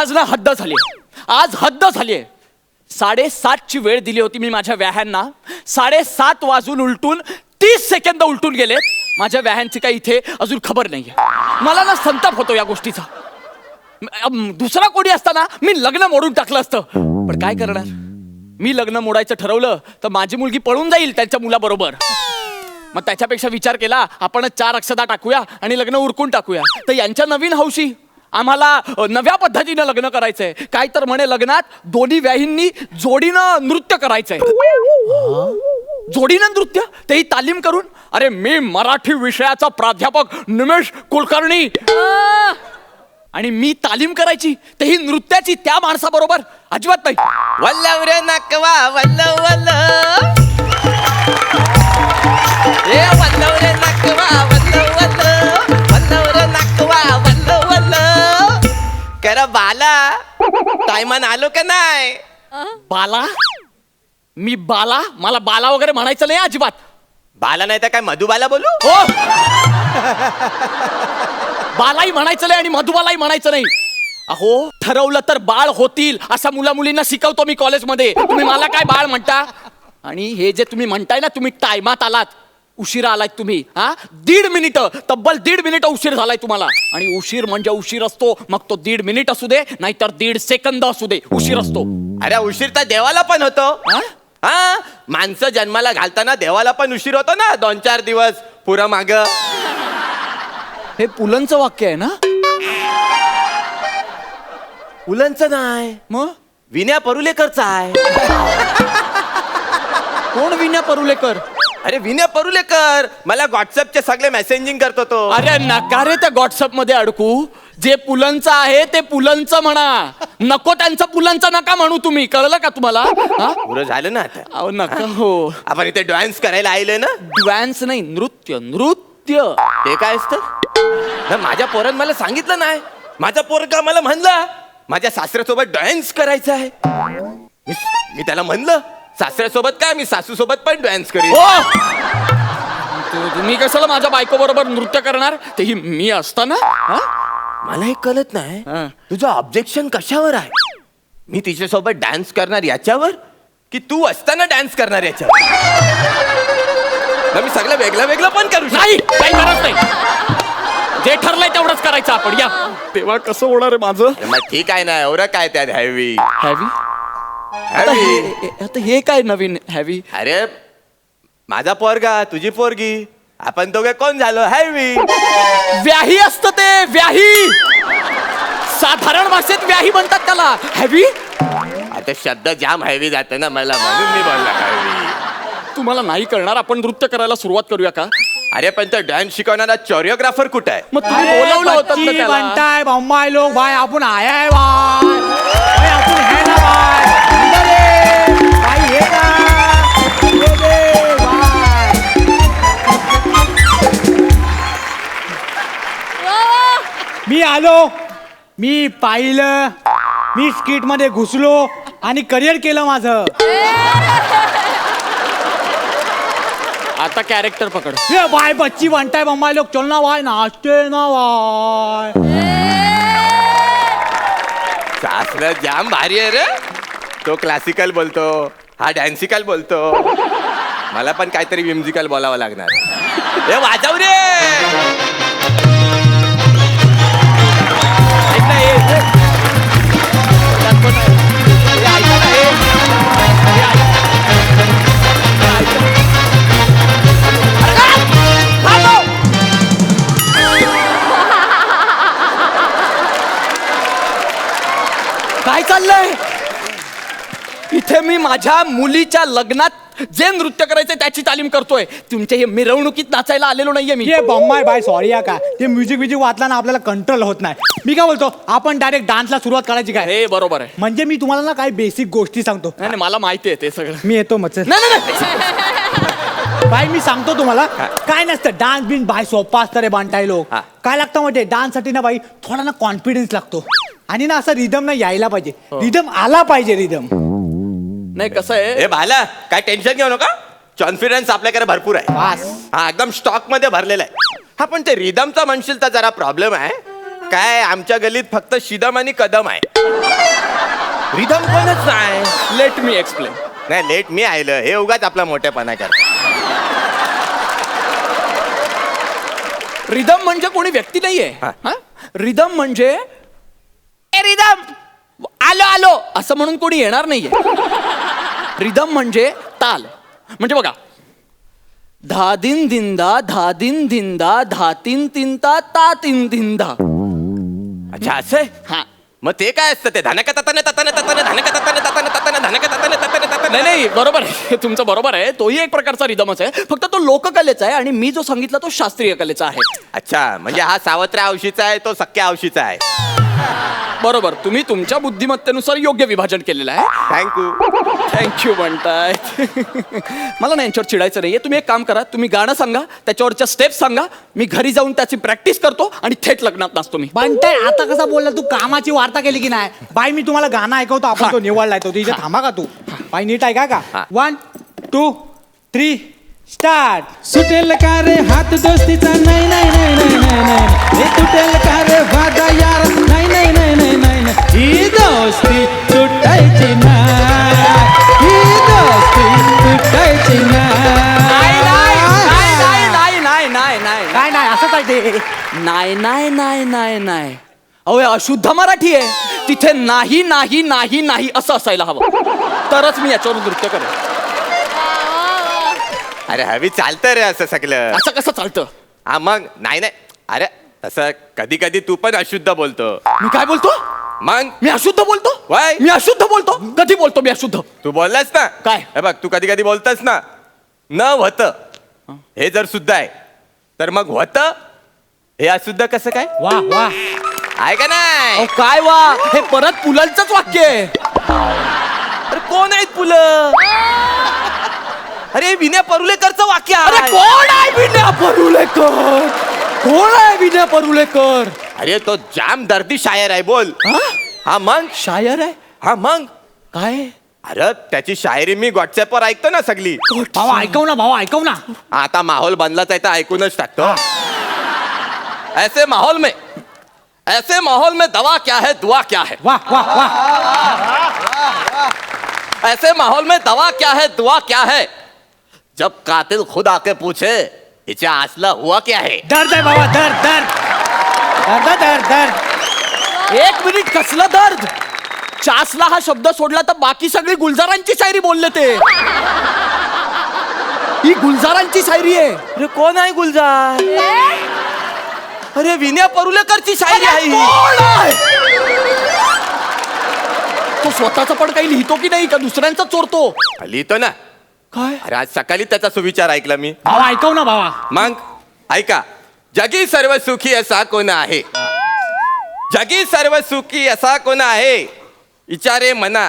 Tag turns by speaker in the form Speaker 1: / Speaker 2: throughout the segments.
Speaker 1: आज ना हद्द झाली, आज हद्द झालीये. 7:30ची वेळ दिली होती मी माझ्या व्याह्यांना. 7:30 वाजून उलटून 30 सेकंद उलटून गेले. माझ्या व्याह्यांची काही इथे अजून खबर नाहीये. मला ना संताप होतो या गोष्टीचा. दुसरा कोणी असताना मी लग्न मोडून टाकलं असतं, पण काय करणार. मी लग्न मोडायचं ठरवलं तर माझी मुलगी पळून जाईल त्यांच्या मुलाबरोबर. मग त्याच्यापेक्षा विचार केला आपण 4 अक्षता टाकूया आणि लग्न उरकून टाकूया. तर यांच्या नवीन हौशी आम्हाला नव्या पद्धतीनं लग्न करायचंय. काय तर म्हणे लग्नात दोन्ही व्याहींनी जोडीनं नृत्य करायचंय. जोडीनं नृत्य, तेही तालीम करून. अरे मी मराठी विषयाचा प्राध्यापक निमेश कुलकर्णी आणि मी तालीम करायची, तेही नृत्याची त्या माणसाबरोबर. अजिबात नाही.
Speaker 2: वल्लव रे नकवा वल्लव वल्लव, ए वल्लव रे नकवा वल्लव वल्लव, वल्लव रे नकवा वल्लव वल्लव. करा बाला टायमान आलो का नाही.
Speaker 1: बाला? मी बाला? मला बाला वगैरे म्हणायचं नाही अजिबात.
Speaker 2: बाला नाही तर काय मधुबाला बोलू.
Speaker 1: हो, बालाही म्हणायचं नाही आणि मधुबालाही म्हणायचं नाही. अहो, ठरवलं तर बाळ होतील असं मुला मुलींना शिकवतो मी कॉलेजमध्ये. तुम्ही मला काय बाळ म्हणता. आणि हे जे तुम्ही म्हणताय ना, तुम्ही टायमात आलात, उशिरा आलात तुम्ही. 1.5 मिनिटं, तब्बल 1.5 मिनिटं उशीर झालाय तुम्हाला. आणि उशीर म्हणजे उशीर असतो, मग तो 1.5 मिनिट असू दे नाहीतर 1.5 सेकंद असू दे, उशीर असतो.
Speaker 2: अरे उशीर तर देवाला पण होतो. हा, माणसं जन्माला घालताना देवाला पण उशीर होतो ना, 2-4 दिवस पुरं माग.
Speaker 1: हे पुलंचं वाक्य आहे ना.
Speaker 2: पुलंचं नाही,
Speaker 1: मग
Speaker 2: विनया परुलेकरचा आहे.
Speaker 1: कोण विनया परुलेकर?
Speaker 2: अरे विनय परुलेकर मला व्हॉट्सअपचे सगळे मेसेजिंग करतो तो.
Speaker 1: अरे नका रे त्या व्हॉट्सअप मध्ये अडकू. जे पुलंचं आहे ते पुलंचं म्हणा, नको त्यांचं पुलंचं नका म्हणू तुम्ही. कळलं का तुम्हाला.
Speaker 2: पुरं झालं ना आता.
Speaker 1: अहो नका. हो,
Speaker 2: आपण इथे डान्स करायला आलोय ना.
Speaker 1: डान्स नाही, नृत्य. नृत्य
Speaker 2: ते काय असतं. माझ्या पोरानं मला सांगितलं नाही. माझा पोरगा मला म्हणला माझ्या सासऱ्यासोबत डान्स करायचा आहे. मी त्याला म्हणलं सासऱ्यासोबत काय, मी सासू सोबत पण डान्स करेन.
Speaker 1: तुम्ही कशाला माझ्या बायको बरोबर नृत्य करणार, तेही मी असताना.
Speaker 2: मला हे कळत नाही तुझं ऑब्जेक्शन कशावर आहे. मी तिच्यासोबत डान्स करणार याच्यावर की तू असताना डान्स करणार याच्यावर. मी सगळं वेगळं वेगळं पण करू
Speaker 1: नाही, काही गरज नाही. जे ठरलंय तेवढंच करायचं आपण. या तेव्हा कसं होणार आहे माझं.
Speaker 2: मग ठीक आहे ना, एवढं काय त्यात हॅवी
Speaker 1: हॅवी.
Speaker 2: हॅवी.
Speaker 1: आता हे काय नवीन हॅवी.
Speaker 2: अरे माझा पोरगा तुझी पोरगी, आपण दोघे कोण झालो हॅवी.
Speaker 1: व्याही असतं ते, व्याही. साधारण भाषेत व्याही म्हणतात त्याला. हॅवी.
Speaker 2: आता शब्द जाम हॅवी जाते ना मला, म्हणून मी बोलला हॅवी.
Speaker 1: तुम्हाला नाही करणार, आपण नृत्य करायला सुरुवात करूया का.
Speaker 2: अरे पण तो डान्स शिकवणारा कोरिओग्राफर कुठे आहे.
Speaker 1: मग तुम्ही बोलवलं होतं ना त्याला.
Speaker 3: बनताय बम्बाई लोग भाई, आपण आया है भाई, आपण है ना भाई. भाई हे ना, ये दे भाई. मी आलो, मी पाहिलं, मी स्किट मध्ये घुसलो आणि करिअर केलं माझं.
Speaker 1: आता कॅरेक्टर पकड.
Speaker 3: ये भाई बच्ची बनताय बम्बाई लोग, चल ना भाई, नाचते ना भाई.
Speaker 2: सासरा जाम भारी आहे रे. तो क्लासिकल बोलतो, हा डॅन्सिकल बोलतो. मला पण काहीतरी म्युझिकल बोलावं लागणार. ए वाजव रे.
Speaker 1: ऐक ना, काय चाललंय इथे. मी माझ्या मुलीच्या लग्नात जे नृत्य करायचंय त्याची तालीम करतोय. तुमच्या हे मिरवणुकीत नाचायला आलेलो नाहीये मी.
Speaker 3: ये बम्बाई भाई सॉरी या का, ते म्युझिक वाचला ना आपल्याला कंट्रोल होत नाही. मी काय बोलतो, आपण डायरेक्ट डान्सला सुरुवात करायची काय.
Speaker 1: हे बरोबर आहे.
Speaker 3: म्हणजे मी तुम्हाला ना काही बेसिक गोष्टी सांगतो.
Speaker 1: नाही मला माहिती आहे ते सगळं.
Speaker 3: मी येतो मच.
Speaker 1: नाही नाही
Speaker 3: भाई मी सांगतो तुम्हाला, काय नसतं डान्स बिन भाई, सोपा असतं रे बांटाय लोक. काय लागतं म्हणजे डान्स साठी ना भाई थोडा ना कॉन्फिडन्स लागतो. आणि ना असं रिदम ना यायला पाहिजे, रिदम आला पाहिजे. रिदम
Speaker 1: नाही कसं आहे.
Speaker 2: ए भाला काय टेन्शन घेऊ नका, कॉन्फिडन्स आपल्याकडे भरपूर आहे. हा एकदम स्टॉक मध्ये भरलेला आहे. हा पण ते रिदमचा म्हणशील तर जरा प्रॉब्लेम आहे. काय आमच्या गल्लीत फक्त शिदम आणि कदम आहे. रिदम कोणच नाही.
Speaker 1: Let me explain.
Speaker 2: नाही लेट मी आयलं हे उगाच आपला मोठेपणा करत.
Speaker 1: रिदम म्हणजे कोणी व्यक्ती नाहीये.
Speaker 2: हा.
Speaker 1: रिदम म्हणजे ए रिदम आलो आलो असं म्हणून कोणी येणार नाहीये. रिदम म्हणजे ताल. म्हणजे बघा, धा दिन दिंदा धा दिन दिंदा धा तीन तिंता ता तीन दिंदा.
Speaker 2: अच्छा असं आहे?
Speaker 1: हा.
Speaker 2: मग ते काय असतं ते धनक तताने तताने तताने धनक तताने तताने तताने धनक तताने तताने तताने.
Speaker 1: नाही नाही बरोबर आहे, तुमचं बरोबर आहे. तोही एक प्रकारचा रिदमच आहे, फक्त तो लोककलेचा आहे आणि मी जो सांगितला तो शास्त्रीय कलेचा आहे.
Speaker 2: अच्छा म्हणजे हा सावत्र्या औशीचा आहे तो सख्या औशीचा आहे.
Speaker 1: बरोबर, तुम्ही तुमच्या बुद्धिमत्तेनुसार योग्य विभाजन केलेलं आहे.
Speaker 2: थँक्यू.
Speaker 1: थँक्यू म्हणताय. मला ना यांच्यावर चिडायचं नाहीये. तुम्ही एक काम करा, तुम्ही गाणं सांगा, त्याच्यावरच्या स्टेप सांगा, मी घरी जाऊन त्याची प्रॅक्टिस करतो आणि थेट लग्नात नाचतो मी.
Speaker 3: बंटाय आता कसा बोलला तू? कामाची वार्ता केली की नाही? बाई मी तुम्हाला गाणं ऐकवतो, आपण तो निवडलाय तो इथे थांबा का तू? बाई नीट ऐका का?
Speaker 2: हा.
Speaker 3: 1 2 3 स्टार्ट.
Speaker 4: सुटेल का रे हात दोस्तीचा नाही नाही नाही नाही नाही नाही हे तुटेल का रे वादा यार नाही नाही नाही नाही नाही नाही ही दोस्ती तुटायची नाही, ही दोस्ती तुटायची
Speaker 1: नाही नाही
Speaker 4: नाही.
Speaker 1: नाही नाही नाही नाही नाही
Speaker 3: काय नाही असंच आहे ते.
Speaker 1: नाही नाही नाही नाही नाही. अहो हे अशुद्ध मराठी आहे. तिथे नाही नाही नाही नाही असं असायला हवं, तरच मी याच्यावर नृत्य करेन.
Speaker 2: अरे हवी चालतं रे असं सगळं.
Speaker 1: असं कसं चालतं?
Speaker 2: हा मग नाही नाही अरे तसं कधी कधी तू पण अशुद्ध बोलतो.
Speaker 1: मी काय बोलतो?
Speaker 2: मग
Speaker 1: मी अशुद्ध बोलतो?
Speaker 2: Why?
Speaker 1: मी अशुद्ध बोलतो? कधी बोलतो मी अशुद्ध?
Speaker 2: तू बोललास ना
Speaker 1: काय?
Speaker 2: हे बघ तू कधी कधी बोलतस ना न होत हे जर शुद्ध आहे तर मग होत हे अशुद्ध कसं काय
Speaker 3: वा वा.
Speaker 2: आहे का नाही?
Speaker 1: अहो काय वा, हे परत पुलंचंच वाक्य आहे.
Speaker 2: अरे कोण आहेत पुलं? अरे विनय परुलेकरचं वाक्य
Speaker 1: अरे
Speaker 2: आहे.
Speaker 1: कोण आहे विनय परुलेकर? कोण आहे विनय परुलेकर?
Speaker 2: अरे तो जाम दर्दी शायर आहे बोल.
Speaker 1: हा?
Speaker 2: हा मग
Speaker 1: शायर आहे?
Speaker 2: हा मग
Speaker 1: काय?
Speaker 2: अरे त्याची शायरी मी व्हॉट्सअपवर ऐकतो ना सगळी.
Speaker 3: भावा ऐकव ना, भावा ऐकव ना.
Speaker 2: आता माहोल बनलाच आहे तर ऐकूनच टाकतो. ऐसे माहौल में दवा क्या है दुआ क्या है.
Speaker 3: वा वा वा.
Speaker 2: ऐसे माहौल में दवा क्या है दुआ क्या है. जब कातिल खुद आके पूछे हिच्या आसला हुआ क्या है.
Speaker 3: दर्द आहे बाबा, दर्द दर्द दर्द दर्द दर्द.
Speaker 1: एक मिनिट, कसलं दर्द? चासला हा शब्द सोडला तर बाकी सगळी गुलजारांची शायरी बोलले ते. ही गुलजारांची शायरी आहे.
Speaker 2: अरे कोण आहे गुलजार? अरे विनय परुलेकरची शायरी आहे ही.
Speaker 1: कोण आहे? तो स्वतःचा पण काही लिहितो की नाही, का दुसऱ्यांचा चोरतो?
Speaker 2: लिहितो ना.
Speaker 1: काय?
Speaker 2: अरे आज सकाळी त्याचा सुविचार ऐकला मी.
Speaker 3: भावा ऐकव ना भावा.
Speaker 2: मग ऐका. जगी सर्व सुखी असा कोण आहे. जगी सर्व सुखी असा कोण आहे. विचारे मना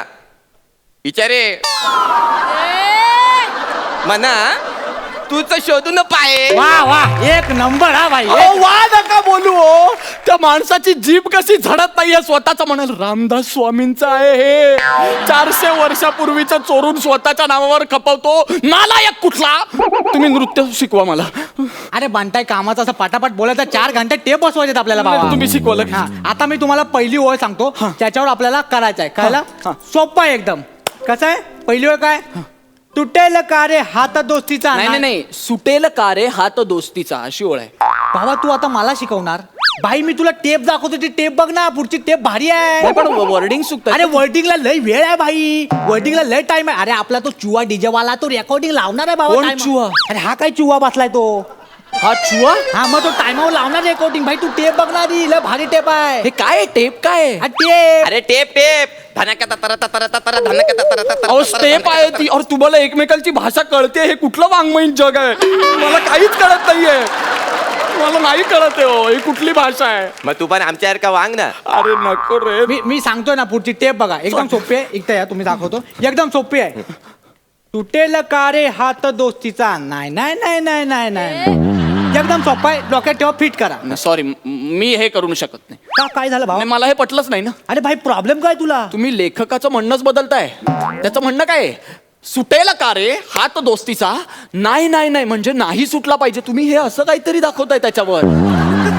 Speaker 2: मना तूच शोधून पाहे.
Speaker 3: वा वा, एक नंबर हा भाई.
Speaker 1: अहो, वा नका बोलू हो. त्या माणसाची जीभ कशी झडत नाहीये स्वतःचा म्हणाल. रामदास स्वामींचं आहे हे. 400 वर्षापूर्वीचं चोरून स्वतःच्या नावावर खपवतो नालायक कुठला. तुम्ही नृत्य शिकवा मला.
Speaker 3: अरे बंटाय कामाचा असं पटापट बोलायचा 4 घंटे टेप बसवायचे आपल्याला बाबा.
Speaker 1: तुम्ही शिकवलं.
Speaker 3: हा, आता मी तुम्हाला पहिली ओळ सांगतो, त्याच्यावर आपल्याला करायचं आहे. कळलं?
Speaker 1: हा.
Speaker 3: सोपं आहे एकदम. कसं आहे? पहिली ओळ काय? तुटेल का रे हात दोस्तीचा.
Speaker 1: नाही नाही नाही, सुटेल का रे हात दोस्तीचा अशी ओळ आहे.
Speaker 3: बाबा तू आता मला शिकवणार? भाई मी तुला टेप दाखवतो, ती टेप बघ ना, पुढची टेप भारी आहे.
Speaker 1: नाही, पण वर्डिंग चुकत.
Speaker 3: अरे वर्डिंगला लय वेळ आहे भाई, वर्डिंगला लय टाइम आहे. अरे आपला तो चुवा डीजे वाला तो रेकॉर्डिंग लावणार आहे बाबा.
Speaker 1: कोण
Speaker 3: time-
Speaker 1: चुवा?
Speaker 3: अरे हा काय चुवा बसलाय तो.
Speaker 1: हा चुवा?
Speaker 3: हा मग तो टाइमावर लावणार रेकॉर्डिंग. भाई तू टेप बघणार, लय भारी टेप आहे.
Speaker 1: हे काय टेप काय?
Speaker 3: हा टेप.
Speaker 2: अरे टेप टेप धनक ततर ततर ततर धनक ततर ततर.
Speaker 1: अहो स्टेप आहे ती. और तुम्हाला एकमेकांची भाषा कळते? हे कुठलं वाङ्मयीन जग आहे? मला काहीच कळत नाहीये. मला नाही कळत आहे हो, ही कुठली भाषा आहे?
Speaker 2: मग तू पण आमच्यासारखा वांग ना.
Speaker 1: अरे नको रे.
Speaker 3: मी सांगतोय ना, पुढची टेप बघा, एकदम सोपी आहे. एकदा या तुम्ही दाखवतो, एकदम सोपी आहे. तुटेल का रे हात दोस्तीचा. नाही नाही नाही नाही नाही नाही. एकदम सोपा आहे, डोक्यात ठेवा, फिट करा.
Speaker 1: सॉरी, मी हे करू शकत नाही.
Speaker 3: का काय झालं भाऊ?
Speaker 1: नाही, मला हे पटलंच नाही ना.
Speaker 3: अरे भाई प्रॉब्लेम काय तुला?
Speaker 1: तुम्ही लेखकाचं म्हणणंच बदलताय. त्याचं म्हणणं काय आहे? सुटेल का रे हात दोस्तीचा. नाही नाही नाही म्हणजे नाही सुटला पाहिजे. तुम्ही हे असं काहीतरी दाखवताय त्याच्यावर.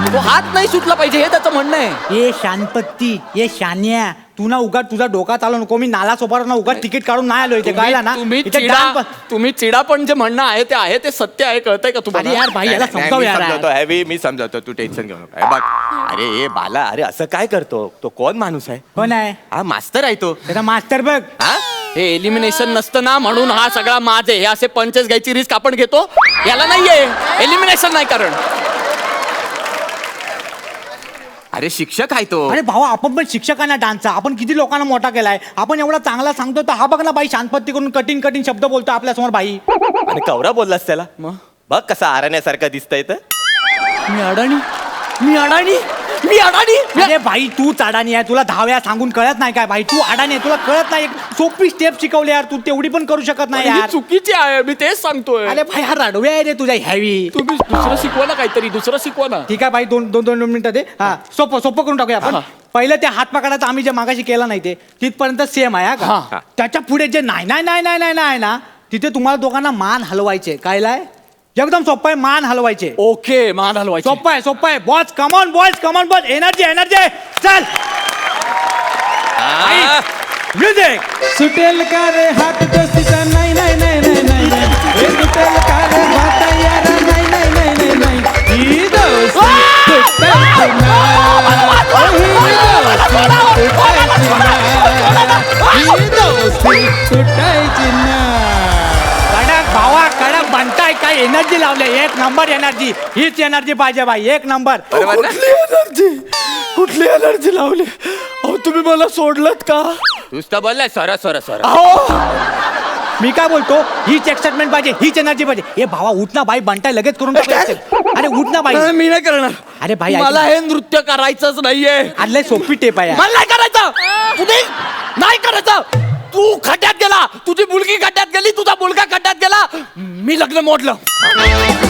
Speaker 1: तो हात नाही सुटला पाहिजे हे त्याचं म्हणणं आहे.
Speaker 3: ए शानपत्ती ए शान्या तू ना उगा तुझा डोका चालू नको. मी नाला सोपार ना उगा तिकीट काढून नाही आलो इथे कळला ना.
Speaker 1: तुम्ही चिडा पण जे म्हणणं आहे ते आहे ते सत्य आहे कळतंय का तुम्हाला?
Speaker 3: अरे यार भाई याला समजाव
Speaker 2: मी
Speaker 3: यार.
Speaker 2: समजावतो हॅवी, मी समजावतो, तू टेन्शन घेऊ नका. हे बघ, अरे ए बाला, अरे असं काय करतो? तो कोण माणूस आहे?
Speaker 3: कोण आहे
Speaker 2: हा मास्तर आहे तो.
Speaker 3: त्याचा मास्तर बघ.
Speaker 2: हा
Speaker 1: हे एलिमिनेशन नसतं ना म्हणून हा सगळा माज आहे. हे असे पंचेस घ्यायची रिस्क आपण घेतो. याला नाहीये एलिमिनेशन नाही कारण.
Speaker 2: अरे शिक्षक आहे तो.
Speaker 3: अरे भावा आपण पण शिक्षकांना डान्सचा आपण किती लोकांना मोठा केलाय. आपण एवढा चांगला सांगतो तर हा बघ ना बाई शांतपत्ती करून कठीण कठीण शब्द बोलतो आपल्या समोर बाई.
Speaker 2: आणि कवरा बोललास त्याला?
Speaker 1: मग?
Speaker 2: बघ कसा आरण्यासारखा दिसतंय तर.
Speaker 1: मी अडाणी मी अडाणी मी अडाणी
Speaker 3: अरे भाई तू अडाणी आहे. तुला 10 वेळा सांगून कळत नाही काय भाई? तू अडाणी आहे तुला कळत नाही. एक सोपी स्टेप शिकवली यार तू तेवढी पण करू शकत नाही
Speaker 1: ही
Speaker 3: यार.
Speaker 1: चुकीची आहे मी तेच सांगतोय.
Speaker 3: अरे भाई हा रडवे आहे रे तुझ्या हॅवी.
Speaker 1: तुम्ही दुसरं शिकवा ना काहीतरी दुसरं शिकवा ना.
Speaker 3: ठीक आहे भाई दोन मिनिटं दे. हा सोपं करून टाकूया आपण.
Speaker 1: हा.
Speaker 3: पहिलं ते हात पकडायचं आम्ही जे मागाशी केलं नाही ते तिथपर्यंत सेम आहे हा
Speaker 1: हा.
Speaker 3: का? त्याच्या पुढे जे नाही नाही नाही नाही नाही नाही ना तिथे तुम्हाला दोघांना मान हलवायचे. कायलाय एकदम सोपं आहे. मान हलवायचे.
Speaker 1: ओके मान हलवायची.
Speaker 3: सोपं आहे boss. Come on boys come on boss. Energy चल
Speaker 2: हा.
Speaker 3: म्युझिक.
Speaker 4: सुटेल का रे हात दोस्तीचा नाही नाही नाही नाही नाही नाही हे सुटेल का रे वादा यार नाही नाही नाही नाही नाही ही दोस्ती सुटायची नाही ही दोस्ती सुटायची नाही.
Speaker 3: कडक भावा कडक बनताय काय एनर्जी लावले. एक नंबर एनर्जी. हीच एनर्जी पाहिजे बाई. एक नंबर.
Speaker 2: बरोबर ना?
Speaker 1: कुठली एनर्जी लावली? अहो तुम्ही मला सोडलत का?
Speaker 2: तूच तर बोललाय सर सर सर.
Speaker 1: अहो
Speaker 3: मी काय बोलतो हीच एक्साइटमेंट पाहिजे हीच एनर्जी पाहिजे. ए भावा उठ ना बाई. बनताय लगेच करून टाकायचं. अरे उठ ना बाई.
Speaker 1: मी नाही करणार.
Speaker 3: अरे भाई, ऐक
Speaker 1: मला
Speaker 3: ना.
Speaker 1: हे नृत्य करायचंच नाहीये.
Speaker 3: आदले सोपी टेप आहे यार.
Speaker 1: मला नाही करायचं. तुम्ही नाही करायचं. तू खड्ड्यात गेला तुझी मुलगी खड्ड्यात गेली तुझा मुलगा खड्ड्यात गेला मी लग्न मोडलं.